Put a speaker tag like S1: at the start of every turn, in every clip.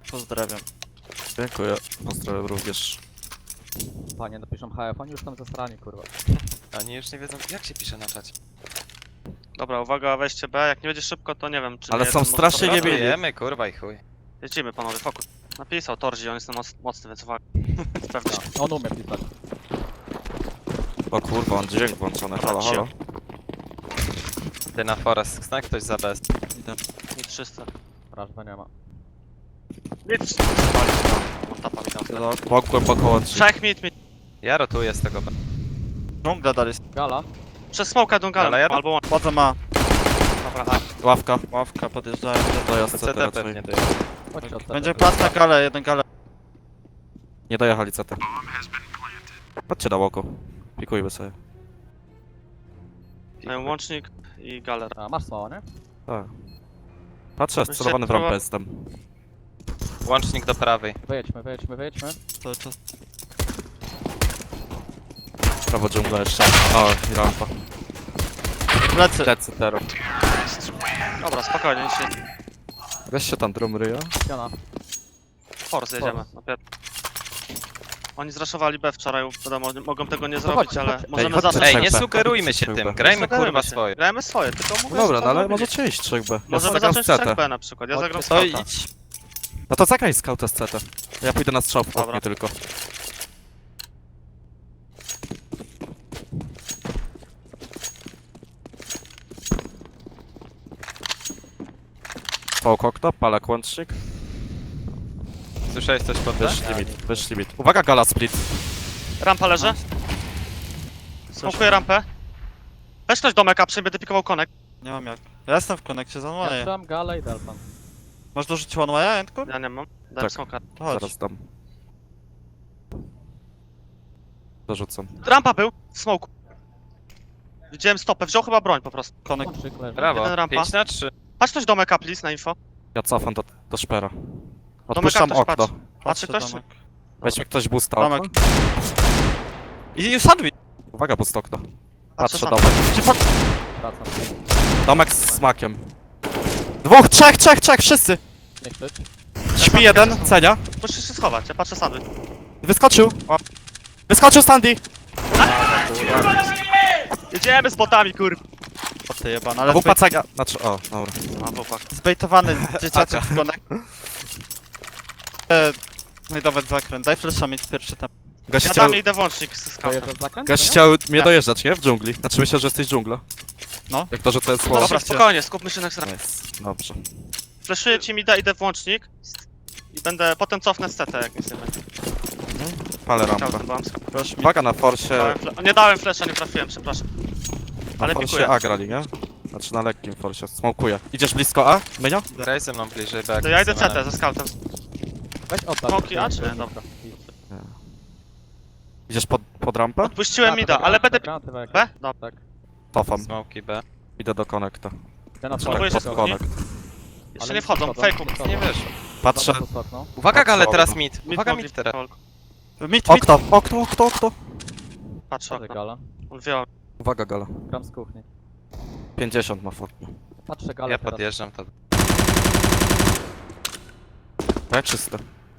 S1: Pozdrawiam.
S2: Dziękuję. Pozdrawiam również.
S3: Panie, napiszą HF, oni już tam zasrani, kurwa.
S4: Oni już nie wiedzą, jak się pisze na czacie.
S1: Dobra, uwaga, weźcie B. Jak nie będzie szybko, to nie wiem, czy
S2: Ale
S1: nie
S2: są
S1: jeden
S2: strasznie
S1: może-
S2: niebili.
S4: Wiemy, kurwa i chuj.
S1: Jedziemy, panowie, fokus. Napisał Torzi, on jest mocny, więc uwaga. Pewnie.
S3: On umie pisać.
S2: O kurwa, on dźwięk włączony. Halo, halo.
S4: Ty na forest, zna ktoś za bez.
S1: Nic 300.
S3: Wrażba nie ma.
S1: Nic. Spalić tam. On tapa mi dał.
S2: Bok głęboko łączy.
S1: Trzech mit.
S4: Ja rotuję z tego B.
S5: Dżungla dalej.
S3: Gala?
S1: Przez smoka Dungalem,
S4: Ale ja-
S1: albo łącz.
S5: Wchodzę ma.
S1: Dobra, tak.
S2: Ławka.
S5: Ławka, podjeżdżają.
S2: Dojazd CT
S4: CT
S2: raczej.
S4: pewnie to jest.
S3: Chodźcie od
S5: Będzie plat na galę, jeden galę.
S2: Nie dojechali CT. Chodźcie na łoku. Pikujmy sobie.
S1: Mają łącznik i galer.
S3: A, masz smoła, nie?
S2: Tak. Patrzę, celowany w rampę jestem.
S4: Łącznik do prawej.
S3: Wyjedźmy.
S5: Cały czas.
S2: Prawo dżungla jeszcze. O, i rampa.
S5: Plecy.
S2: Lecę teraz.
S1: Dobra, spokojnie, nic się.
S2: Weź się tam drum ryja.
S3: Ściana.
S1: Force jedziemy. Oni zraszowali B wczoraj, wiadomo, mogą tego nie zrobić,
S3: chodźcie,
S1: ale
S3: chodźcie.
S1: możemy
S2: chodźcie,
S1: zacząć.
S4: Ej, nie
S2: B.
S4: sugerujmy się
S2: Chodźcie,
S4: tym,
S2: B.
S4: grajmy
S1: Sugerujmy
S4: kurwa
S1: się.
S4: swoje.
S1: Grajmy swoje, tylko mówię,
S2: No dobra,
S1: że
S2: no ale
S1: robili.
S2: możecie iść 3B. Ja
S1: Możemy
S2: zagram
S1: zacząć
S2: z CT.
S1: 3B na przykład, ja zagram z
S4: To
S1: Skauta.
S4: idź.
S2: No to zagraj scouta z CT. Ja pójdę na strzał w
S1: Dobra.
S2: oknie tylko. Połk okno, palak łącznik.
S4: Słyszałeś coś pod B?
S2: Wyszli mit. Uwaga, gala split.
S1: Rampa leży. Smokuję rampę. Weź ktoś domek, a będę pikował konek.
S5: Nie mam jak. Ja jestem w konekcie za
S3: Ja
S5: one.
S3: trzymam galę i delpan.
S5: Masz dorzucić one way'a, Entku?
S1: Ja nie mam. Dałem
S2: Tak.
S1: smoka.
S5: To chodź.
S2: Zaraz dam. Dorzucam.
S1: Rampa był, w smoku. Widziałem stopę, wziął chyba broń po prostu.
S5: Konek.
S3: Łączyk leży.
S4: Brawo.
S1: Jeden rampa.
S4: 5 na 3.
S1: Patrz ktoś domek, a please, na info.
S2: Ja cofam do szpera. Odpuszczam
S1: ktoś
S2: okno.
S1: patrzy.
S5: Patrzy
S1: ktoś,
S5: domek.
S2: Weźmy ktoś boosta
S5: Domek.
S2: okno.
S5: I sandwich.
S2: Uwaga, boost okno.
S1: Patrzę
S2: Patrzę
S1: sam.
S2: domek.
S3: Wracam.
S2: Domek z smakiem. Dwóch, trzech, wszyscy!
S3: Nie krzycz.
S2: Śpi jeden, cenia.
S1: Musisz się schować, ja patrzę sandwich.
S2: Wyskoczył! Wyskoczył Sandy!
S1: Jedziemy z botami, kurwa.
S5: O ty jebana, ale
S2: Wupa cenia. Znaczy, o, dobra.
S1: A, chłopak.
S5: zbejtowany dzieciaczek w konek. No i dawać zakręt. Daj flasha mieć pierwszy tam.
S2: Gość
S1: Ja
S2: chciał,
S1: tam idę włącznik z skautem.
S3: Dojeżdżasz zakręt?
S2: gość
S3: nie?
S2: chciał mnie dojeżdżać, nie? W dżungli. Znaczy myślę, że jesteś dżungla.
S5: No.
S2: Jak to, że to jest słowo.
S1: Dobra, spokojnie, skupmy się na ekstrem.
S2: Nice. Dobrze.
S1: Fleszuję ci mida, idę w łącznik. I będę, potem cofnę z CT, jak nic nie będzie.
S2: Palę
S1: Chciał
S2: rampę.
S1: ten bombs.
S5: Proszę mi.
S2: Uwaga na forsie.
S1: Nie dałem flesza, nie trafiłem, przepraszam.
S2: Na
S1: Ale
S2: forsie
S1: pikuję.
S2: A grali, nie? Znaczy na lekkim forsie. Smokuję. Idziesz blisko A? Mynio?
S4: Graj ze mną bliżej B.
S1: To ja idę CT ze scoutem.
S3: Weź oddać.
S1: Smoki, a czy nie? Dobra.
S2: Idziesz pod rampę?
S1: Odpuściłem mida, ale będę...
S3: Granaty w
S1: B? Dobra.
S3: Tak.
S2: Cofam.
S4: Smoki B.
S2: Idę do konekta.
S3: Ja na
S1: Spróbuję
S2: Tak,
S1: się
S2: pod
S1: skupić.
S2: konekt.
S1: Jeszcze nie wchodzą, fejku.
S4: Nie wiesz.
S2: Patrzę.
S4: Uwaga gale,
S2: Okno.
S4: teraz mid. Uwaga
S1: mogli-
S4: mid teraz.
S5: Mit.
S2: Okno.
S1: Patrzę okno.
S3: Gala.
S1: On wziął.
S2: Uwaga, gala.
S3: Gram z kuchni.
S2: 50 ma w oknie.
S3: Patrzę galę
S4: Ja
S3: teraz.
S4: podjeżdżam to.
S2: B czyste.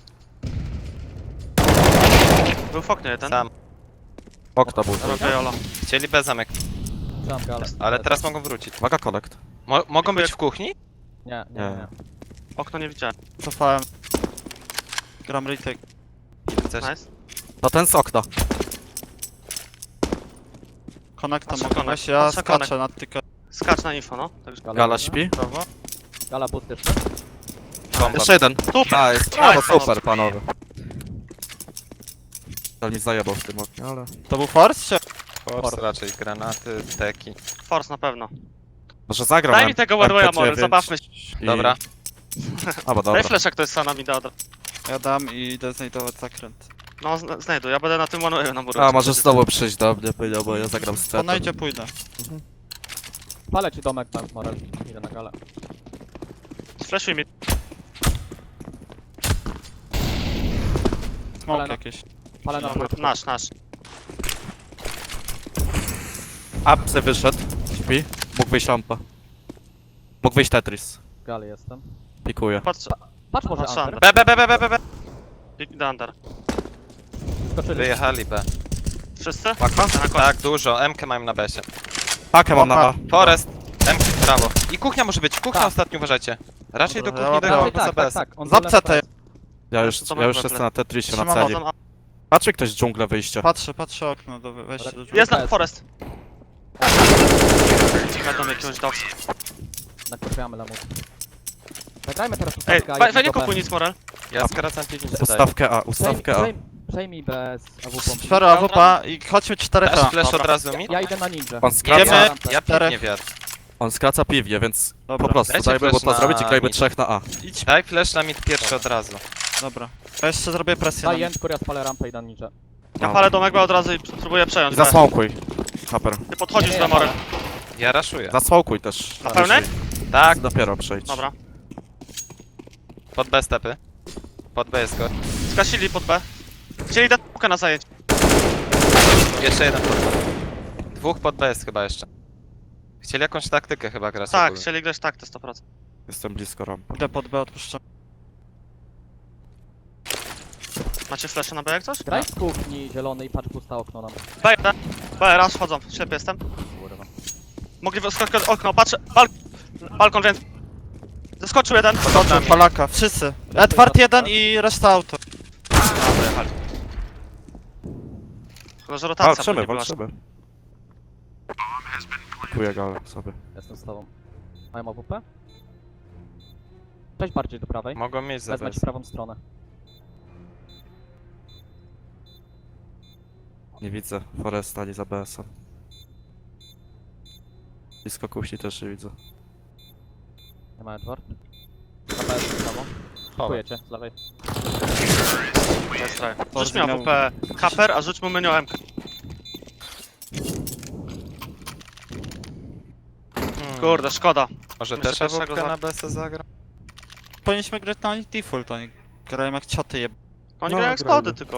S1: Był w oknie jeden.
S4: Sam.
S2: Okno był.
S1: Robię Jolo.
S4: Chcieli B zamek,
S3: Trzymam galę.
S4: ale teraz mogą wrócić.
S2: Uwaga, konekt.
S4: Mogą być w kuchni?
S3: Nie.
S1: Okno nie widziałem.
S5: Cofałem. Gram retake.
S4: Chcesz?
S1: Nice.
S2: To ten z okna.
S5: Konekta
S1: Patrzę
S5: mogę
S1: konek.
S5: wejść, ja
S1: Patrzę konek.
S5: skaczę nad tykę.
S1: Skacz na info, no. Także...
S2: Gala śpi.
S5: Prawo.
S3: Gala boost jeszcze.
S4: Bomba.
S2: Jeszcze jeden.
S1: Super!
S2: A, jest.
S1: Nice,
S2: No super, panowie. To mi zajebał w tym oknie, ale...
S5: To był force czy?
S4: Force raczej, granaty, teki.
S1: Force na pewno.
S2: Może zagram
S1: Daj mi tego Warwaya
S2: MP9
S1: może, zabawmy się.
S2: i-
S4: Dobra.
S2: A, bo dobra.
S1: Daj flash, jak to jest sana mi da.
S5: Ja dam i idę znajdować zakręt.
S1: No, znajdę, ja będę na tym one na muru.
S2: A, może znowu przyjść do mnie, powiedział, bo ja zagram z
S5: To
S2: cetem.
S5: najdzie pójdę.
S3: Palę ci domek tam, Morel. Idę na galę.
S1: Flashuj mi.
S5: Smoke
S3: Ale no.
S5: jakieś.
S3: Palę na górę.
S1: Nasz.
S2: Apsy wyszedł. Śpi. Mógł wyjść rampa. Mógł wyjść Tetris.
S3: Gali jestem.
S2: Pikuje.
S1: Patrz,
S3: Patrz może
S1: Patrzę
S3: under.
S1: B. Big under.
S3: Skoczyli.
S4: Wyjechali B.
S1: Wszyscy?
S2: Paka?
S1: Na koniec.
S4: Tak, dużo. MK mają na besie.
S2: Pakę mam na A.
S4: Forest. MK w prawo. I kuchnia może być. Kuchnia
S3: Tak.
S4: ostatnio uważajcie. Raczej do
S5: Dobra,
S4: kuchni
S5: dobra.
S4: dojechał
S3: Raczej
S4: poza
S3: tak,
S4: BS.
S3: tak, tak. On
S5: Zap
S3: do lewej
S5: CT.
S2: Ja już
S1: To
S2: jestem na Tetrisie na
S5: Trzymam
S2: celi.
S1: Chodzą A.
S2: Patrzy ktoś z dżunglę wyjście.
S5: Patrzę okno, wejście do drzwi.
S1: Jest na
S3: PS.
S1: forest. Będą jakiegoś dogs.
S3: Nakreślamy lamus. Zagrajmy teraz
S1: Ej,
S3: ustawkę A,
S1: weź nie
S3: jednego
S1: kupuj
S3: B.
S1: nic, Morel.
S4: Ja skracam piwnicę daję.
S2: Ustawkę A.
S3: Przejmij bez AWP.
S5: Sfera AWP i chodźmy 4
S4: Dasz
S5: A.
S4: flash
S1: Dobra.
S4: od razu mi?
S3: Ja idę na ninja.
S2: On skraca,
S5: Idziemy.
S4: Ja piwnie wiatr.
S2: on skraca piwnie, więc
S5: Dobra.
S2: po prostu
S4: Dajcie
S2: dajmy mu
S4: flash
S2: to
S4: na
S2: zrobić i grajmy
S4: mid.
S2: 3 na A.
S5: Idź.
S4: Daj flash na mid pierwszy od razu.
S5: Dobra. Ja jeszcze zrobię presję na
S3: Daj
S5: nich.
S3: jędź, ja spalę rampę i na ninja.
S1: Ja palę domek B od razu i próbuję przejąć.
S2: I
S1: B.
S2: zasmokuj. Haper.
S1: Ty podchodzisz
S3: Nie,
S1: do Morel.
S4: Ja raszuję.
S2: Zasmokuj też.
S1: Na pełnej?
S4: Tak,
S2: Dopiero przejdź.
S1: Dobra.
S4: pod B stepy. Pod B jest go.
S1: Skasili pod B. Chcieli dać pukę na zajęcie.
S4: Jeszcze jeden pod B. Dwóch pod B jest chyba jeszcze. Chcieli jakąś taktykę chyba grać.
S1: Tak,
S4: ogólnie.
S1: chcieli grać tak, to 100%.
S2: Jestem blisko rampy.
S5: Idę pod B, odpuszczam.
S1: Macie flesze na B jak coś?
S3: Graj z kuchni zielonej, patrz pusta okno nam.
S1: B, raz wchodzą, ślepy jestem.
S3: Kurwa.
S1: Mogli wyskoczyć okno, patrzę. Balkon, więc. Zeskoczył jeden.
S5: Skoczył Polaka, wszyscy. Edward 1 i reszta auto.
S1: Tylko, że rotacja
S2: Walczymy,
S1: pewnie była.
S2: walczymy. Kupuję galę sobie.
S3: Jestem z tobą. Mają AWP? Cześć bardziej do prawej.
S4: Mogą mieć za
S3: Wezmę
S4: B.
S3: ci prawą stronę.
S2: Nie widzę. Forest stali za BS-em. Blisko kusi też nie widzę.
S3: Nie ma Edward. Na B jest prawo. Kupuję cię z lewej.
S1: Jest try. Rzuć
S5: Bardzo
S1: mi
S5: miał-
S1: AWP Kaper, a rzuć mu menu MK. Kurde, szkoda.
S4: Może
S1: Myślę,
S4: też
S1: pierwszego
S4: AWP
S1: za-
S4: na BS zagra?
S5: Powinniśmy grać na nich default, oni grają jak cioty jeb...
S1: Oni
S2: No,
S1: grają jak
S2: grajmy.
S1: skody tylko.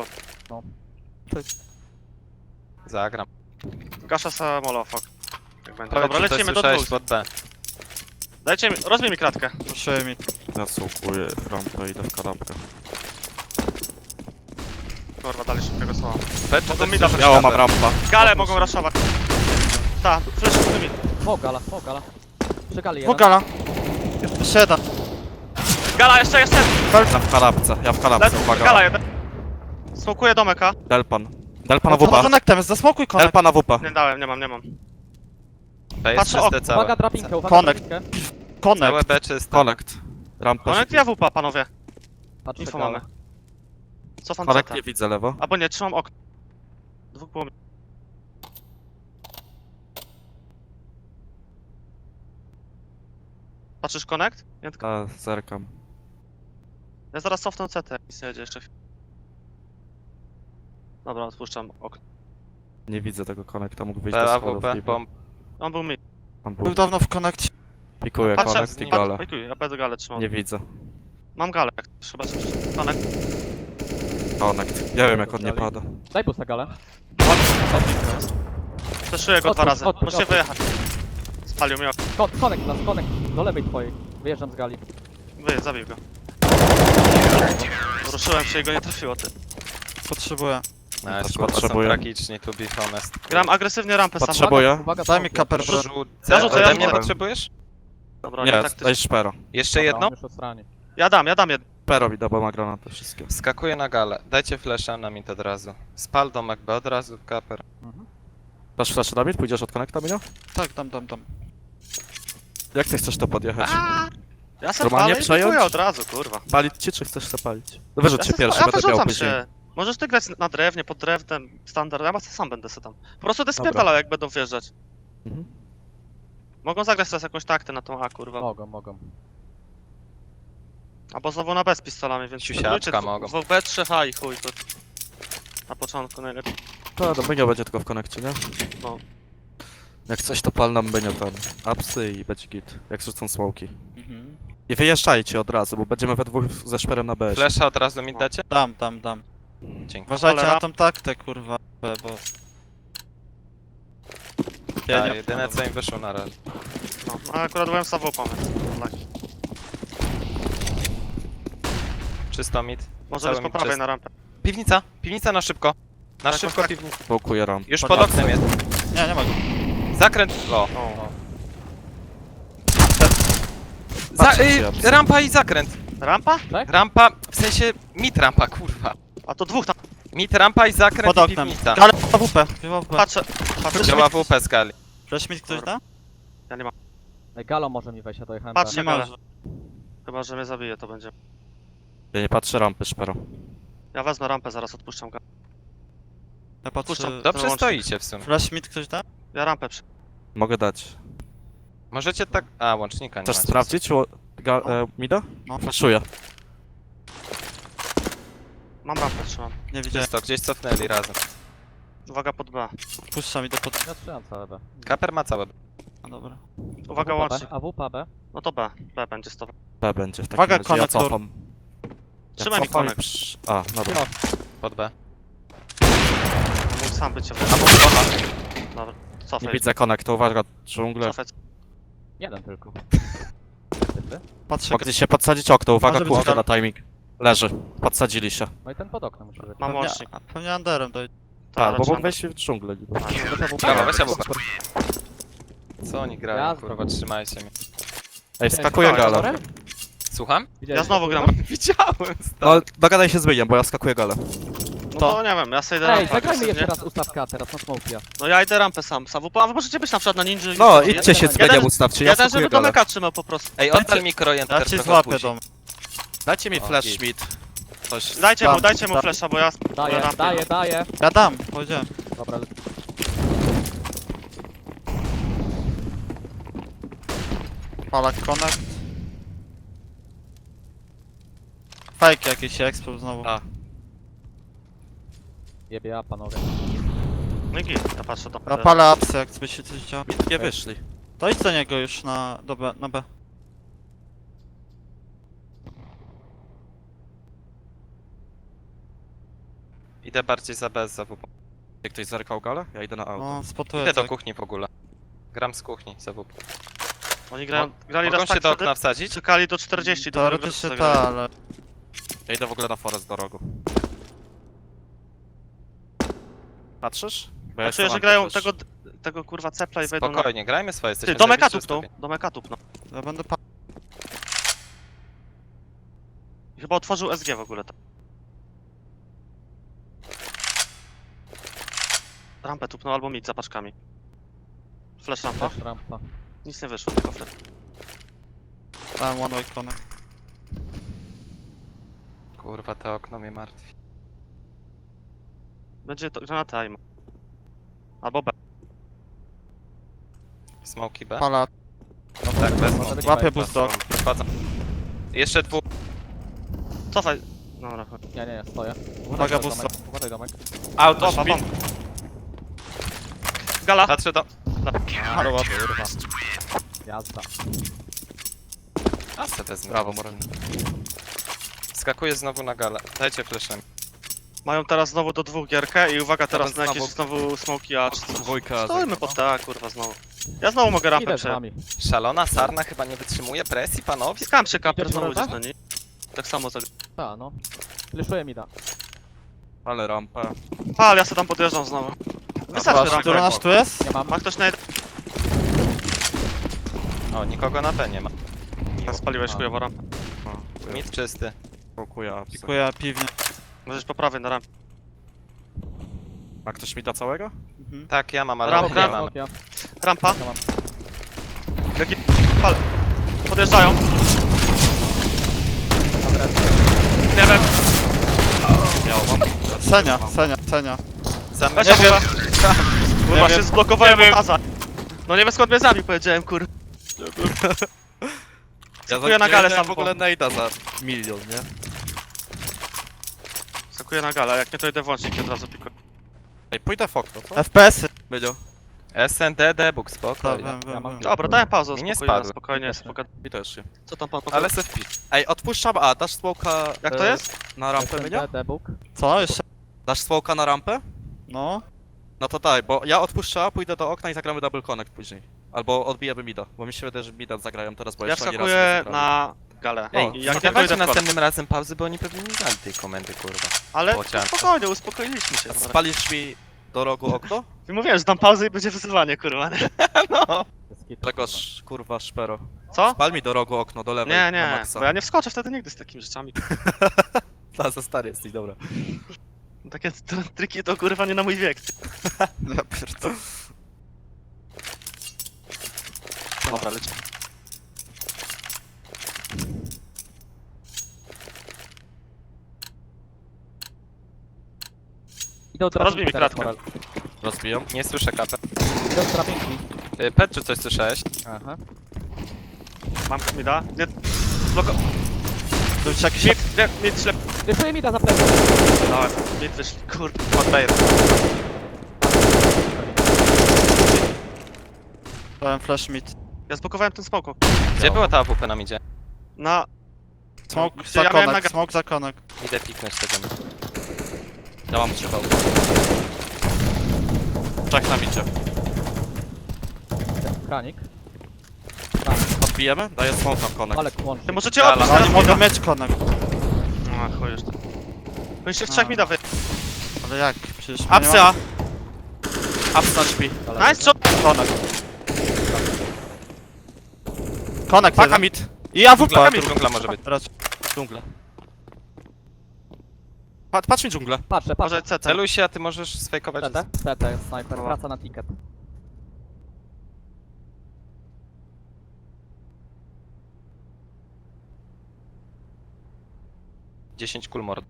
S4: Zagram.
S1: Gaszę se molofok. Jak będzie.
S4: Powiedz,
S1: Dobra,
S4: czy to
S1: lecimy do
S4: słyszałeś
S1: dwóch.
S4: pod B.
S1: Dajcie mi, rozbij mi kratkę.
S5: Proszę mi.
S2: Ja słuchuję rampę i idę w kanapkę.
S1: Kurwa, dali szybkiego słowa.
S4: B czy
S1: Mogą
S4: też
S1: mi dać
S4: słyszałeś
S2: Biało mam
S4: B?
S2: rampa.
S1: Gale mogą raszować. Tak, flash z mi.
S3: O, gala. Przy gali jeden.
S5: Bugala. Jeszcze jeden.
S1: Gala, jeszcze!
S2: Ja w kanapce,
S1: Lecę,
S2: uwaga.
S1: Gala jeden. Smokuję domek, a?
S2: Delpan. Delpan na
S5: Za
S2: WP.
S5: konektem, zasmokuj konek.
S2: Delpan na WP.
S1: Nie dałem, nie mam.
S4: B jest
S1: Patrzę,
S4: czyste całe.
S3: Uwaga drapinkę, uwaga
S5: Connect.
S3: drapinkę.
S4: Całe
S5: Konek.
S4: B czyste.
S2: Connect. Rampa.
S1: Connect ja WP, panowie.
S3: Patrzę
S1: Info
S3: galę.
S1: mamy. Cofam
S2: Connect
S1: CT.
S2: nie widzę lewo.
S1: Albo nie, trzymam okno. Dwóch było mi. Patrzysz Connect? Nie, tylko...
S2: A, zerkam.
S1: Ja zaraz cofnę CT. Nic nie jedzie jeszcze. Dobra, odpuszczam okno.
S2: Nie widzę tego Connecta, mógł wyjść
S4: B,
S2: do schodów.
S4: AWP,
S2: niby.
S4: bomb.
S1: On był mi.
S2: On
S5: Był
S2: był.
S5: dawno w konekcie.
S2: Pikuję
S1: Patrzę,
S2: Connect i galę.
S1: ja będę galę trzymał.
S2: Nie widzę.
S1: Mam galę, jak trzeba coś. Connect.
S2: Connect. Nie wiem jak on nie pada.
S3: Daj pusta galę.
S1: Przeszuję go dwa
S3: Odpuść,
S1: razy.
S3: odpuść,
S1: Musicie
S3: odpuść.
S1: wyjechać. Spalił mi okno.
S3: Connect nas, connect. Do lewej twojej. Wyjeżdżam z gali.
S1: Zabił go. Ruszyłem się i go nie trafiło, ty.
S5: Potrzebuję.
S4: No,
S2: Też
S4: kurwa, są
S2: potrzebuję.
S4: tragiczni, to be honest.
S1: Gram agresywnie rampę sam.
S2: Potrzebuję.
S3: Uwaga,
S5: Daj mi
S3: smokuję.
S5: kaper, bro.
S4: Rzucę.
S1: Ja rzucę, ja
S4: Ode mnie
S1: rzucę.
S4: potrzebujesz?
S1: Dobra,
S2: Nie,
S1: nie taktycznie.
S2: daj szpero.
S4: Jeszcze
S3: Dobra,
S4: jedną?
S3: on już osrani.
S1: Ja dam jedno.
S2: Szpero mi da, bo ma granaty wszystkie.
S4: Skakuję na galę. Dajcie flasha na mid od razu. Spal domek B od razu, kaper.
S2: Dasz flash na mid? Pójdziesz od Connecta, Minio?
S5: Tak, dam.
S2: Jak ty chcesz to podjechać?
S1: Ja se
S2: Normalnie
S1: palę i
S2: przejąć?
S1: dziękuję od razu, kurwa.
S2: Palić ci, czy chcesz se palić? No wyrzuć się
S1: se-
S2: pierwszy,
S1: ja
S2: będę miał
S1: wyrzucam
S2: później.
S1: się. Możesz ty grać na drewnie, pod drewnem, standard, ja sam będę se tam. Po prostu ty
S2: Dobra.
S1: spierdalał jak będą wjeżdżać.
S2: Mhm.
S1: Mogą zagrać teraz jakąś taktę na tą A, kurwa.
S3: Mogą.
S1: Albo znowu na B z pistolami, więc
S4: Siusiaczka
S1: spróbujcie
S4: mogą.
S1: w B3H i chuj, to... Na początku najlepiej.
S2: To do Bynio będzie tylko w konekcie, nie?
S1: No.
S2: Jak coś to pal nam Bynio ten. Apsy i będzie git. Jak rzucą smoki.
S5: Mhm.
S2: I wyjeżdżajcie od razu, bo będziemy we dwóch ze szperem na B.
S4: Flasha od razu mid dacie?
S5: Dam.
S4: Dzięki.
S5: Uważajcie
S1: Cholera.
S5: na tą taktę, kurwa. Bo...
S4: Ja jedyne co im wyszło na razie.
S1: No, a akurat byłem z AWP, więc...
S4: Czysto mid.
S1: Może
S4: Cały
S1: być po
S4: mid
S1: prawej
S4: czysto.
S1: na rampę.
S4: Piwnica na szybko. Na
S1: Tak,
S4: szybko
S1: tak.
S4: piwnica.
S2: Smokuję ramp.
S4: Już pod oknem jest.
S5: Nie, nie ma go.
S4: Zakręt. O.
S1: O.
S2: Patrzę ci, ja
S4: Rampa i zakręt.
S1: Rampa?
S4: Rampa, w sensie mid rampa, kurwa.
S1: A to dwóch tam.
S4: Mid rampa i zakręt
S5: Pod
S4: i
S5: oknem.
S4: piwnica.
S5: Ale AWP. AWP.
S1: Patrzę. Patrzę.
S4: Działa WP skali.
S5: Flash mi ktoś da?
S1: Ja nie mam.
S3: Ej, Galo może mi wejść, ja dojechałem.
S1: Patrz,
S5: Nie
S1: nie
S5: ma.
S1: ma. Chyba, że mnie zabije, to będzie.
S2: Ja nie patrzę rampy, szpero.
S1: Ja wezmę rampę, zaraz odpuszczam go.
S5: Ja patrzę.
S1: Puszczam.
S4: Dobrze
S1: Wyłącznik.
S4: stoicie w sumie.
S5: Flash mi ktoś da?
S1: Ja rampę przy...
S2: Mogę dać.
S4: Możecie tak... A, łącznika nie
S2: Chcesz
S4: macie.
S2: sprawdzić mida?
S5: No.
S2: Flashuję.
S1: Mam rampę, trzymam.
S5: Nie widziałem.
S4: Czysto, gdzieś cofnęli razem.
S1: Uwaga pod B.
S5: Puszczam, idę pod...
S3: Ja strzelam całe B.
S4: Kaper ma całe.
S5: A dobra.
S1: Uwaga
S3: AWP B,
S1: łącznik.
S3: AWP B.
S1: No to B. B będzie z tobą.
S2: B będzie w takim
S5: Uwaga,
S2: razie. Ja
S5: konektor.
S2: cofam.
S1: Trzymaj mi
S2: cofam i
S1: konek.
S2: A, dobra.
S4: Pod B.
S1: Mógł sam być.
S4: A pod B.
S1: Dobra.
S2: Nie
S1: Cofaj.
S2: widzę konektu, uwaga, dżunglę.
S1: Cofaj.
S3: Jeden tylko.
S5: Patrzę.
S2: Mogli się podsadzić okno, uwaga,
S5: Może być
S2: kurde
S5: tak.
S2: na timing. Leży. Podsadzili się.
S3: No i ten pod oknem musi być.
S1: Mam
S5: Pewnie,
S1: łącznik.
S5: pewnie underem dojdzie.
S2: Tak, bo
S1: trzeba-
S2: mógł wejść w dżunglę. niby.
S4: Brawo, weź AWP. Co oni grają,
S3: Jazda.
S4: kurwa, trzymajcie mnie.
S2: Ej, skakuję galę.
S4: Słucham?
S1: Ja znowu gram.
S4: Widziałem,
S2: No, dogadaj się z Bygiem, bo ja skakuję galę.
S1: No to nie wiem, ja sobie idę
S3: Ej,
S1: rampę.
S3: zagrajmy jeszcze
S1: agresywnie.
S3: raz ustawka teraz na smokia.
S1: No ja idę rampę sam. A wy możecie być na przykład na ninja. i
S2: No,
S1: sobie-
S2: idźcie się z
S1: Jeden-
S2: Bygiem ustawcie, ja
S1: Jeden,
S2: skakuję
S1: żeby
S2: galę.
S1: domeka trzymał po prostu.
S4: Ej, oddal mi krojen
S5: Ja ci
S4: trochę
S5: złapię
S4: później.
S5: dom.
S2: Dajcie mi
S4: O,
S2: flash
S4: git.
S2: mid. Coś.
S1: Dajcie mu
S5: Tam.
S1: flasha, bo ja...
S3: Daję,
S1: rampę.
S3: daję.
S5: Ja dam, powiedziałem.
S3: Dobra,
S5: Palak connect. Fake jakiś expo znowu.
S2: A.
S3: jebie ja panowie.
S1: No i git, ja patrzę do...
S5: Ja palę apsy, jak by się coś działo.
S2: Nie wyszli.
S5: To idź do niego już do B, na B.
S4: Idę bardziej za B, za WP.
S2: Jak ktoś zerkał galę? Ja idę na auto.
S5: No, spotuję
S4: Idę do
S5: tak.
S4: kuchni w ogóle. Gram z kuchni, za WP.
S1: Oni grali
S4: Mogą
S1: raz
S4: się
S1: tak
S4: do
S1: wtedy,
S4: okna wsadzić?
S1: czekali do 40, do
S5: Teoretycznie
S1: drugiego
S5: ta, ale...
S2: Ja idę w ogóle na forest do rogu. Patrzysz? Bo
S1: Ja
S2: jestem
S1: czuję, że
S2: anty
S1: grają
S2: też.
S1: tego kurwa cepla i wejdą na...
S4: Spokojnie, grajmy swoje, jesteśmy
S1: Ty, domeka
S4: zajebiście
S1: tupnął,
S4: ustawieni.
S1: domeka tupnął.
S5: Ja będę
S1: I chyba otworzył SG w ogóle. Rampę tupnął albo mid za paczkami. Flash rampa.
S3: Też rampa.
S1: Nic nie wyszło, tylko flash.
S5: Dałem one way connect.
S4: Kurwa, to okno mnie martwi.
S1: Będzie to granata aim. Albo B.
S4: Smoki B?
S5: Pala,
S4: No tak, bez
S3: Może
S4: smoki.
S3: być
S5: łapie
S3: fake.
S5: boost dog.
S4: Wchodzą. Jeszcze dwóch.
S1: Cofaj. Dobra, chodź.
S3: Nie, stoję.
S5: Uwaga,
S3: domek,
S5: boost
S3: uważaj domek.
S4: Auto,
S1: Bomba,
S4: śpi.
S1: bomba. Gala.
S4: Patrzę do...
S5: ale ładnie.
S3: Jazda.
S4: A se wezmę.
S2: Brawo, Moran.
S4: Skakuję znowu na galę. Dajcie fleszem.
S1: Mają teraz znowu do dwóch gierkę i uwaga teraz
S2: Jeden
S1: na jakieś
S2: znowu.
S1: znowu smoki A czy coś.
S2: Dwójka.
S1: Stoimy pod ta kurwa znowu. Ja znowu mogę rampę
S3: Idę z
S1: przejąć.
S3: wami.
S4: Szalona sarna chyba nie wytrzymuje presji, panowie.
S1: Skam się kaper
S3: Idziesz
S1: znowu
S3: do
S1: gdzieś
S3: rampy?
S1: na niej. Tak samo zagra.
S3: Ta, no. Fleszuję mi da.
S2: Ale rampę.
S1: Pal, ja sobie tam podjeżdżam znowu. Wystarczy
S5: Który
S1: rampę.
S5: nasz tu jest?
S3: Nie mam.
S1: Ma ktoś na
S4: O, nikogo na B nie ma.
S1: Spaliłeś
S3: A.
S1: chujowo rampę.
S4: Mid czysty.
S2: Smokuję apsy.
S5: Pikuję piwnie.
S1: Możesz po prawej na rampę.
S2: Ma ktoś mi da całego?
S5: Mhm.
S4: Tak, ja mam, ale
S1: Ram,
S4: nie
S1: ram.
S4: mam.
S3: Smokia.
S1: Rampa.
S3: Ja mam.
S1: Jaki... Pal. Podjeżdżają. Nie wiem.
S2: Miał, mam.
S5: Senia.
S4: Za
S1: Weź
S5: Nie
S1: się
S5: wiem.
S1: Kurwa,
S5: Nie
S1: się
S5: wiem.
S1: zblokowałem od Aza. No nie wiem skąd mnie zabił, powiedziałem kur... Skakuję na galę sam
S2: w ogóle najda za milion, nie?
S1: Skakuję na galę, jak nie to idę włącznik i od razu pikuję.
S2: Ej, pójdę w okno, co?
S5: FPS-y.
S2: Będzie.
S4: SND, debug,
S5: Tak,
S4: spokojnie.
S5: wiem.
S1: Dobra, dałem pauzę,
S4: Mi nie
S1: spokojnie,
S4: spadły.
S1: spokojnie, spokojnie.
S2: I też się.
S1: Co tam pan
S4: Ale se wpisz.
S2: Ej, odpuszczam A, dasz smoka...
S1: Jak to jest?
S2: Na rampę mnie?
S3: SND, debug.
S5: Co? Jeszcze?
S2: Dasz smoka na rampę?
S5: No.
S2: No to daj, bo ja odpuszczę A, pójdę do okna i zagramy double connect później. Albo odbijemy mida, bo mi się wydaje, że mida zagrają teraz, bo
S1: Ja
S2: jeszcze ani razu nie
S1: wskakuję
S2: zagrali.
S1: na galę.
S4: Ej,
S1: I
S4: nie
S1: jak nie
S4: dawajcie
S1: dojdę w
S4: następnym razem pauzy, bo oni pewnie nie znali tej komendy, kurwa.
S1: Ale
S4: Bocian.
S1: spokojnie, uspokoiliśmy się.
S2: Spalisz mi do rogu okno?
S1: I mówiłem, że dam pauzę i będzie wyzywanie, kurwa. Nie?
S4: No.
S2: Tegoż, kurwa, szpero.
S1: Co?
S2: Spal mi do rogu okno, do lewej,
S1: Nie,
S2: na
S1: nie,
S2: maksa.
S1: bo ja nie wskoczę wtedy nigdy z takimi rzeczami.
S2: Ta, za stary jesteś, dobra.
S1: Takie triki to kurwa nie na mój wiek.
S2: Ja pierdolę.
S1: Dobra, leci.
S3: Idę od
S1: Rozbij mi
S3: teraz,
S1: kratkę.
S3: Moral.
S2: Rozbijam.
S4: Nie słyszę kapę.
S3: Idę od drabinki.
S4: Petru, coś słyszałeś?
S3: Aha.
S1: Mam mi da? Nie. Bloko.
S2: To już jakiś...
S1: Mid ślep.
S3: Jeszcze mi da za plecy.
S1: Dałem. Mid wyszli. Kurde.
S4: Pod B1.
S5: Dałem flash mid.
S1: Ja zblokowałem ten smoko.
S4: Gdzie była ta AWP nam idzie?
S1: Na...
S5: Smoke
S1: Ja
S5: za
S1: miałem
S5: konek,
S1: naga-
S5: smoke za konek.
S4: Idę piknąć tego.
S2: Ja mam 3 hełmy. Czak nam idzie.
S3: Kranik.
S2: Odbijemy? Daję smoke na konek.
S3: Ale kłącz.
S1: Ty możecie
S4: Gala.
S1: odbić
S5: Oni
S1: teraz
S5: mogą
S1: mida.
S5: mieć konek.
S1: A, chuj już to. To jeszcze z trzech
S5: A.
S1: mida wy.
S5: Ale jak? Przecież my nie
S2: Apsy A! Apsy na śpi.
S1: Nice, co?
S5: Konek. Konek
S2: Paka
S5: jeden.
S2: mid.
S5: I AWP.
S4: Dżungla może być.
S5: Teraz
S2: Dżunglę. Patrz mi dżunglę.
S3: Patrzę,
S1: Może
S3: patrzę.
S1: CT.
S4: Celuj się, a ty możesz sfejkować.
S3: CT? CT jest snajper.
S1: Dobra.
S3: Wraca na ticket.
S4: - 10 kul mord.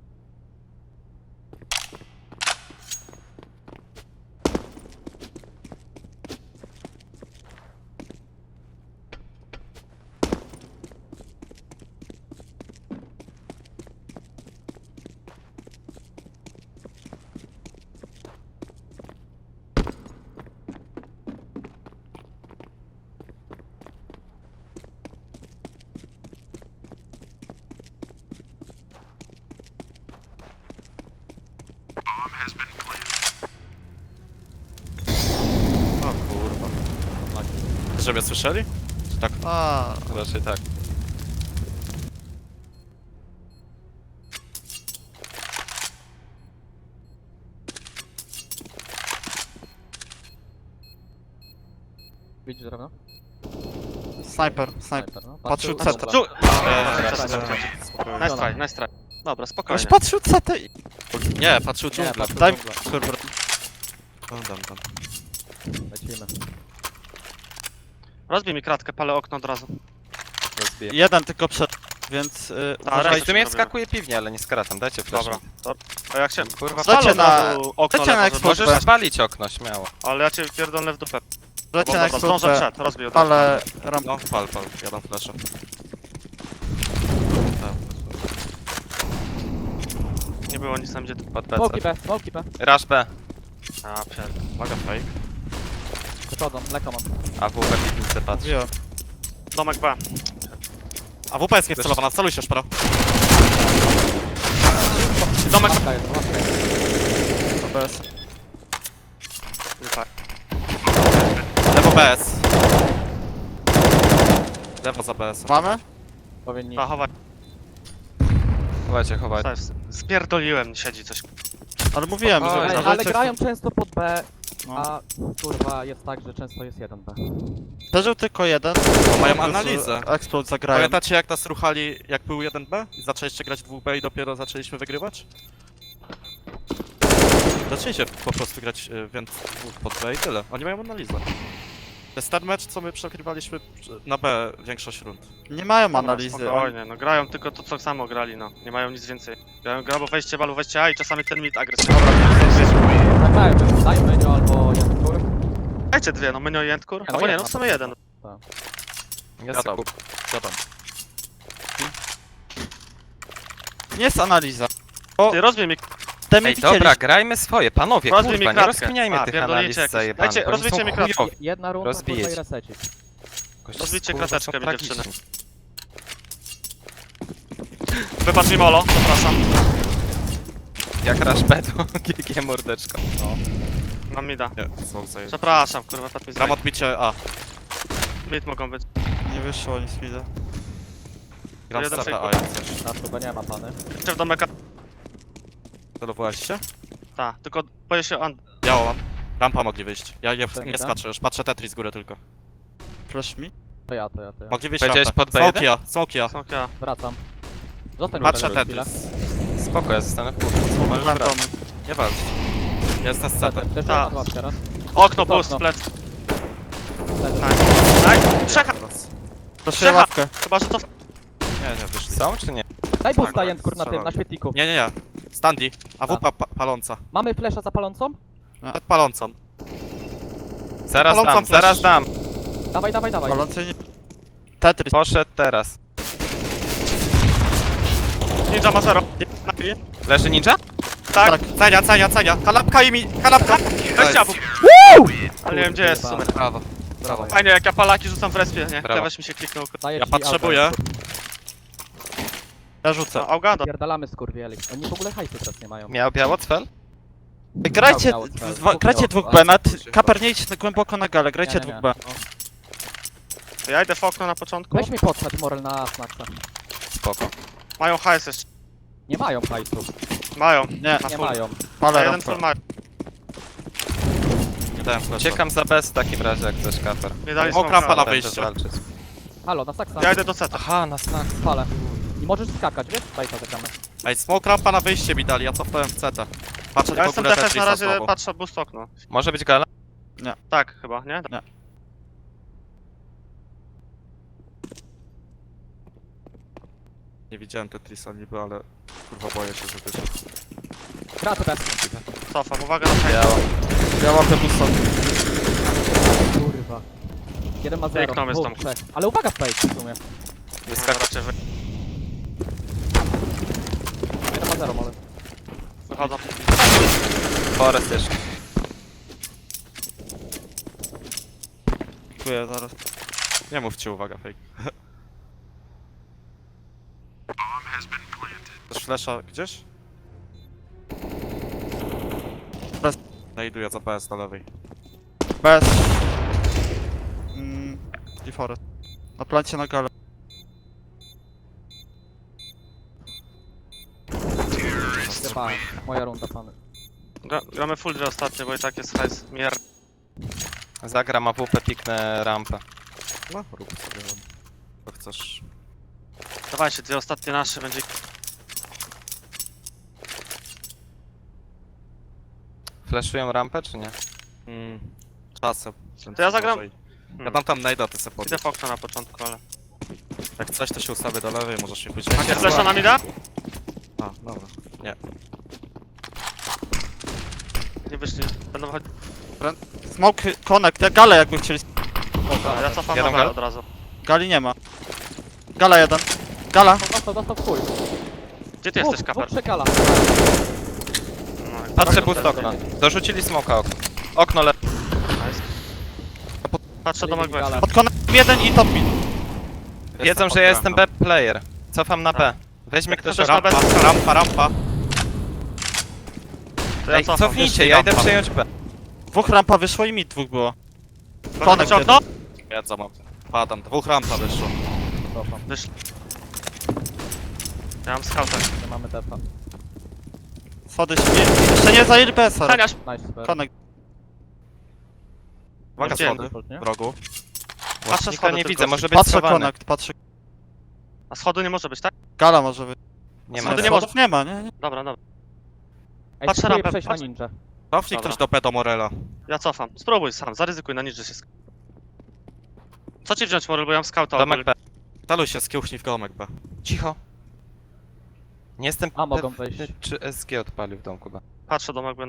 S2: O kurwa. Że mnie słyszeli? Czy tak?
S5: A,
S4: Raczej tak.
S3: Widzisz drewno?
S5: snajper, snajper.
S3: Snajper, no.
S5: Patrzył
S3: Patrzył-
S5: CT.
S1: Dżu...
S2: Spokojnie.
S1: Nice try, nice try. Dobra,
S5: Ktoś
S1: spokojnie.
S5: patrzył CT i...
S2: Nie, patrzył
S3: Nie,
S2: dżunglę.
S3: patrzył
S5: Daj...
S3: dżunglę.
S5: Kurwa.
S2: Dam.
S3: Lecimy.
S1: Rozbij mi kratkę, palę okno od razu.
S4: Rozbiję.
S5: Jeden tylko przed, więc...
S1: Tak,
S4: Ej,
S1: Dajcie
S4: w sumie
S1: sobie.
S4: wskakuje piwnie, ale nie skratam. Dajcie flash.
S1: Dobra. A jak się...
S4: Kurwa,
S5: Dajcie
S1: Palę od
S5: na-
S1: razu okno
S5: dajcie na
S1: lewo,
S5: eksport.
S1: żeby-
S4: możesz spalić okno, śmiało.
S1: Ale ja cię pierdolę w dupę.
S5: Lecie na
S1: Dobra, zdążę
S5: ekspert,
S1: przed, rozbij od razu.
S5: ale... Ram...
S2: No, pal. Ja dam flasha.
S1: Nie było nic tam gdzie...
S4: Pod
S3: Smoki
S4: PC.
S3: B, smoki B.
S4: Rush B.
S1: A, pierd...
S2: Uwaga, fake.
S3: Przechodzą, mleko mam.
S4: AWP piwnicy patrz.
S5: Mówiłem.
S1: Domek B.
S2: A WP jest niewcelowana, celuj się, szpero.
S1: Domek
S3: Łapka jest, łapka jest.
S5: OBS.
S1: Tak.
S2: Lewo BS. Lewo za BS.
S5: Mamy?
S3: Powinni...
S1: A, chowaj.
S4: Chowajcie, chowajcie.
S1: Spierdoliłem, siedzi coś.
S5: Ale mówiłem,
S4: Oj,
S5: że...
S3: Ej,
S5: że-
S3: ale grają często pod B,
S5: No.
S3: a kurwa jest tak, że często jest 1B.
S5: Przeżył tylko jeden.
S2: Bo mają analizę.
S5: Explode zagrają.
S2: Pamiętacie jak nas ruchali, jak był 1B? I zaczęliście grać 2B i dopiero zaczęliśmy wygrywać? Zaczęliście po prostu grać więc dwóch pod B i tyle. Oni mają analizę. To jest ten mecz, co my przegrywaliśmy na B większość rund.
S5: Nie mają
S1: Dobra,
S5: analizy.
S1: Spokojnie, no grają tylko to co samo grali, no. Nie mają nic więcej. Grają grabo wejście, balu wejście A i czasami ten mid agresywny.
S3: Zagrajmy, daj menio albo jeden kur.
S1: Dajcie dwie, no Mynio i Endkur.
S3: No
S1: Albo nie,
S3: jedna.
S1: no w sumie jeden.
S4: Jest
S2: Gadam.
S4: kup.
S2: Gadam.
S5: Nie jest analiza.
S1: Ty rozbij mi,
S5: Te mi
S4: Ej, dobra,
S5: widzieliście.
S4: grajmy swoje, panowie,
S1: rozbij mi
S4: kurwa, nie
S1: kratkę.
S4: rozkminiajmy
S1: A,
S4: tych
S1: pierdolicie
S4: analiz
S1: jakieś.
S4: zajebanych,
S1: Dajcie,
S4: bo oni
S1: rozwijcie
S4: są
S1: mi kratkę.
S4: chujowi.
S3: Jedna runda,
S4: Rozbijecie.
S3: kurwa i resecić.
S4: Goście,
S1: Rozbijcie
S4: kurwa,
S1: krateczkę,
S4: są
S1: mi dziewczyny.
S4: tragiczni.
S1: Wypadł mi molo, zapraszam.
S4: Jak Rush B to GG mordeczko.
S1: Mam mida.
S2: Nie, są zajęci.
S1: Przepraszam, kurwa, padł mi
S2: Gram
S1: z.
S2: odbicie A.
S1: Mid mogą być.
S5: Nie wyszło nic widzę.
S2: Gram z
S1: Jeden
S2: CT,
S1: fake.
S2: a jak coś.
S3: Na chyba nie ma pany.
S1: Jeszcze w domeka.
S2: Celowałeś się?
S1: Tak, tylko boję się
S2: Biało mam. Rampa mogli wyjść. Ja nie
S3: Tak.
S2: skaczę już, patrzę Tetris z góry tylko.
S5: Flash mi.
S3: To ja.
S2: Mogli wyjść
S4: Powiedziałeś
S2: rampę.
S4: pod B1?
S2: Smokia.
S1: Smokia.
S3: Wracam. Zostań
S2: Patrzę
S3: tutaj chwilę.
S2: Tetris.
S4: Spoko, ja zostanę w kurce. Możesz
S5: Mam
S4: brać.
S5: domek.
S2: Nie walcz. Jest na CT.
S3: Też
S1: Ta.
S3: na łapkę raz.
S1: Okno,
S3: To
S1: boost,
S3: okno.
S1: plec.
S3: Nice.
S1: Nice. Trzech.
S5: Flashuję ławkę.
S1: Chyba, że to...
S2: Nie, wyszli.
S4: Są czy nie?
S3: Daj boosta
S2: Tak,
S3: Jędrkur na tym,
S2: strzelam.
S3: na świetliku.
S2: Nie. Standy. AWP paląca.
S3: Mamy flesza zapalącą?
S2: Przed palącą.
S4: Zaraz
S2: Palącą
S4: dam,
S2: flash.
S4: zaraz dam.
S3: Dawaj.
S5: Palący nie... Tetris.
S4: Poszedł teraz.
S1: Ninja ma 0.
S4: Leży ninja?
S1: Tak.
S2: Cenia. Kanapka i mi... Kanapka!
S1: Weźcie AWP. Ale nie wiem gdzie jest w sumie.
S2: Brawo.
S3: Brawo.
S1: Fajnie, jak ja palaki rzucam w respie, nie?
S4: Brawo.
S1: Klawisz mi się kliknął.
S3: Daję
S2: Ja
S3: ci
S2: potrzebuję.
S3: auga.
S5: Ja rzucę.
S1: No, Augada.
S3: Pierdalamy skurwieli. Oni w ogóle hajsu teraz nie mają.
S4: Miał biało cfel?
S5: Grajcie,
S3: Miał, miał.
S5: grajcie
S3: Dwóch
S5: 2B, Kaper nie idź głęboko na galę, grajcie
S3: Nie, nie, nie.
S5: 2B.
S1: To ja idę w okno na początku.
S3: Weź mi podsadź Morel na snacksa.
S4: Spoko.
S1: Mają hajs jeszcze.
S3: Nie mają hajsu.
S1: Mają.
S5: Nie,
S1: Na
S3: Nie
S1: full.
S3: mają.
S1: A
S5: palę
S1: jeden
S5: rampę.
S1: full ma.
S2: Nie dałem flasha.
S4: Uciekam za bez w takim razie, jak chcesz kaper.
S1: Nie dali
S2: O,
S1: smoka.
S2: krampa na
S4: Będę
S2: wyjście.
S4: walczyć.
S3: Halo, na saksa.
S1: Ja idę do CT.
S4: Aha, na snak.
S3: Spalę. I możesz skakać, wiesz? Bajka zagramy.
S2: Ej, smoke rampa na wyjście mi dali, ja cofnąłem w CT. Patrzę
S1: Ja
S2: tylko
S1: jestem
S2: górę
S1: defense na
S2: Tetrisa
S1: razie,
S2: znowu.
S1: patrzę boost okno.
S4: Może być gala?
S1: Tak, chyba, nie?
S2: Nie widziałem Tetrisa niby, ale kurwa boję się, że wyszedł.
S3: Kraty bez.
S1: Cofam, uwaga na hajs.
S4: Biało.
S5: Ja łapię busta.
S3: Kurwa. Jeden ma 0,
S1: Piękną jest tam.
S3: trzech. Ale uwaga fake w sumie.
S1: Wyskakać. Raczej
S3: Jeden ma 0 może.
S1: wychodzą.
S4: Forest jeszcze.
S5: Dziękuję, zaraz.
S2: Nie mówcie, uwaga, fake. Też flasha gdzieś?
S5: Bez.
S2: Znajduję za PS na lewej.
S5: Bez. I forest. Na plancie na galę.
S3: Zjebałem. Moja runda, pany.
S1: Gramy full dwie ostatnie, bo i tak jest hajs. Mier.
S4: Zagram AWP, piknę rampę.
S2: No, rób sobie on. To chcesz.
S1: Dawajcie, dwie ostatnie nasze będzie.
S4: Flashują rampę, czy nie?
S2: Czasem.
S1: To ja zagram-
S2: Ja dam tam najda, ty se
S1: Idę
S2: podnieś.
S1: w okno na początku, ale...
S2: Jak coś, to się ustawię do lewej, możesz mi pójść.
S1: Macie flesza na mida?
S2: A, dobra. Nie.
S1: Nie wyszli, będą chodzić.
S5: Smoke, connect, ja galę jakby chcieli.
S1: Ja cofam
S4: Jeden
S1: na B
S4: gal?
S1: od razu.
S5: Gali nie ma. Gala jeden. Gala.
S3: Dostał w chuj.
S1: Gdzie ty jesteś, kaper?
S3: Przekala.
S1: No,
S4: Patrzę boost okno. Dorzucili smoka okno. Okno le...
S1: Patrzę domek B.
S3: Gala.
S5: Pod connect jeden i top mid.
S4: Wiedzą, że ja jestem B player. Cofam na B. Weźmie
S1: Jak
S4: ktoś
S1: chcesz na
S4: rampę.
S1: B,
S2: Rampa.
S1: to ja
S4: Ej,
S1: cofam.
S4: cofnijcie, ja idę
S2: rampa.
S4: przejąć B.
S5: Dwóch rampa wyszło i mid dwóch było.
S1: Connect okno?
S2: Jedzą mam. Padam, dwóch rampa wyszło.
S3: Cofam.
S1: Wyszli. Ja mam scouta.
S3: Nie mamy defa.
S5: Schody śmie. Jeszcze nie zajęli BS-a.
S1: Taniasz!
S3: Nice, super.
S5: Connect.
S2: Uwaga,
S1: Gdzie?
S2: schody.
S3: Nie?
S2: W rogu.
S1: Patrzę
S4: Nikogo
S1: schody
S4: nie
S1: tylko.
S4: widzę, może być
S5: Patrzę
S4: schowany.
S5: connect, patrzę.
S1: A schodu nie może być, tak?
S5: Gala może być.
S4: Nie
S1: Schody
S4: ma.
S1: nie może.
S5: Schodów nie ma, nie?
S1: Dobra, dobra.
S3: Ej,
S1: Patrzę
S3: spróbuję
S1: rampę,
S3: przejść na
S1: patrzę.
S3: ninja.
S2: Cofnij
S1: Dobra.
S2: ktoś do Pedo Morela.
S1: Ja cofam. Spróbuj sam, zaryzykuj na nic, że się Co ci wziąć, Morel, bo ja mam scouta.
S4: Domek B.
S2: Taluj się z kiełchnij w gołąmek B.
S4: Cicho. Nie jestem
S3: A, mogą
S4: pewny,
S3: wejść.
S4: czy SG odpalił w domku B.
S1: Patrzę domek B.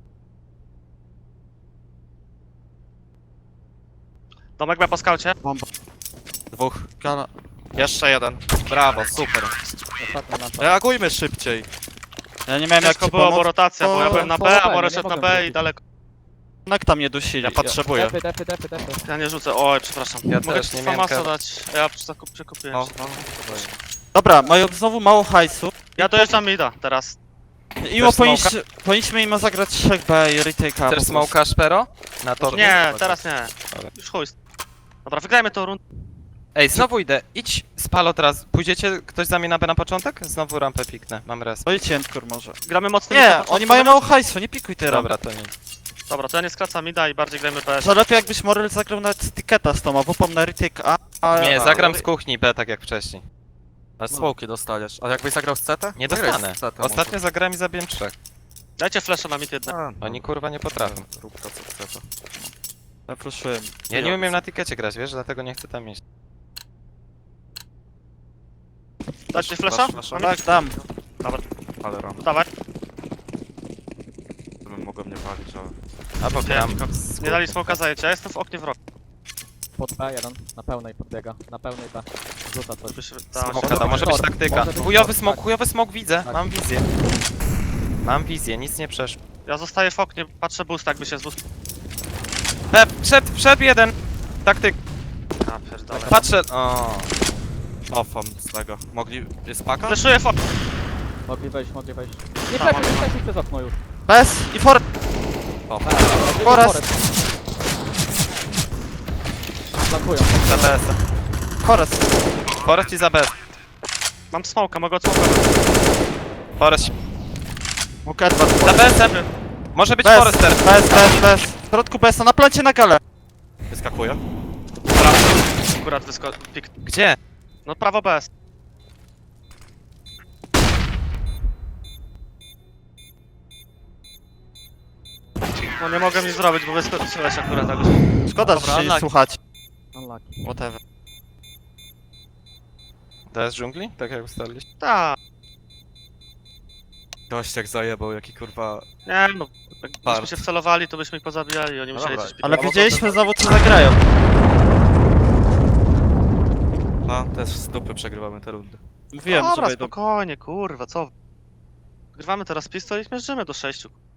S1: Domek B po skaucie.
S5: Bomba.
S2: Dwóch.
S5: Gala.
S2: Jeszcze jeden. Brawo, super.
S3: Ostatnia nasza.
S2: Reagujmy szybciej.
S5: Ja nie miałem jak
S1: Ciężko
S5: ci
S1: było, bo
S5: pomóc.
S1: rotacja, bo ja byłem na B, a
S3: nie
S1: Morel szedł na
S3: mogę
S1: B i
S3: wrócić.
S1: daleko.
S5: Connecta mnie dusili.
S2: Ja potrzebuję.
S3: Defy.
S1: Ja nie rzucę, oj, przepraszam.
S4: Ja
S1: Mogę
S4: też
S1: ci
S4: nie miałem
S1: famasa
S4: kar-
S1: dać, ja przekupiłem.
S2: No,
S1: się.
S2: no.
S5: Dobra, mają znowu mało hajsu.
S1: Ja dojeżdżam mida teraz.
S5: Imo
S4: smoka?
S5: powinniśmy im zagrać 3B i retake'a.
S4: Chcesz smoka Szpero? Na to.
S1: Nie, teraz nie.
S4: Dobra.
S1: Już chuj. Dobra, wygrajmy tą rundę.
S4: Ej, znowu idę. Idź, spalo teraz. Pójdziecie ktoś za mnie na B na początek? Znowu rampę piknę, mam res.
S5: Pojedźcie Endcore może.
S1: Gramy mocno.
S5: Nie, oni mają mało hajsu, nie pikuj teraz.
S4: Dobra, to nie.
S1: Dobra, to ja nie skracam mida i bardziej grajmy PS.
S5: To lepiej jakbyś Morel zagrał nawet z Tiketa z tą, a WP na retake A.
S4: Nie, zagram z kuchni B tak jak wcześniej.
S2: Ale smoki dostaniesz. A jakbyś zagrał z CT?
S4: Nie
S2: Zagraj
S4: dostanę.
S2: z CT
S4: Ostatnio zagrałem i zabiłem 3.
S1: Dajcie flasha na mid jedne.
S2: może.
S4: Oni kurwa nie potrafią.
S2: Rób to co chce to.
S5: Zaproszyłem.
S4: Ja nie umiem na tikecie grać, wiesz, dlatego nie chcę tam iść.
S1: Dajcie flasha?
S2: flasha.
S1: Na mid?
S5: Tak, dam.
S2: Ale ram.
S1: Dawaj.
S2: Bym mogłem nie palić, ale...
S4: Albo gram.
S1: Nie dali smoka zajęcia, ja jestem w oknie w rogu.
S3: Pod B1, na pełnej podbiega, na pełnej B. Rzuca coś.
S1: Żeby się dało się-
S4: Smoka, to może być taktyka.
S3: Może być
S4: Chujowy smok widzę,
S3: Tak.
S4: mam wizję. Mam wizję, nic nie przeszło.
S1: Ja zostaję w oknie, patrzę boost, jakby się z boost...
S4: Wszedł jeden. Taktyk.
S1: A, pierdolę.
S4: Patrzę. O.
S2: Ofam z tego. Mogli... Jest paka?
S1: Flashuję w oknie.
S3: Mogli wejść. Nie przeszli przez okno już.
S5: Bez i for...
S2: O,
S5: Forest.
S3: Flankują.
S4: Za BS.
S5: Forest.
S4: Forest i za BS.
S1: Mam smoka, mogę odsmokować.
S4: Forest.
S5: Mógł Edward.
S4: Za BS-em. Może być
S5: Bez.
S4: Forester.
S5: Bez. W środku bez, na plancie na galę.
S2: wyskakuje.
S1: Akurat pik.
S4: Gdzie?
S1: No prawo BS. No nie mogę nic zrobić, bo wyskoczyłeś akurat jakoś.
S5: Szkoda,
S1: Dobra,
S5: że się nie
S1: unlucky.
S5: słuchać.
S3: Unlucky.
S5: Whatever.
S4: To jest dżungli? Tak jak ustaliliście?
S1: Tak.
S2: Gość jak zajebał, jaki kurwa...
S1: Nie no, jakbyśmy
S2: Bart.
S1: się wcelowali, to byśmy ich pozabijali i oni musieli
S2: dobra.
S1: coś
S5: Ale
S1: pikować.
S5: wiedzieliśmy znowu co zagrają.
S2: No, też z dupy przegrywamy te rundy.
S5: Mówiłem,
S1: Dobra,
S5: że wejdą.
S1: spokojnie, kurwa, co? Grywamy teraz pistol i zmierzymy do 6.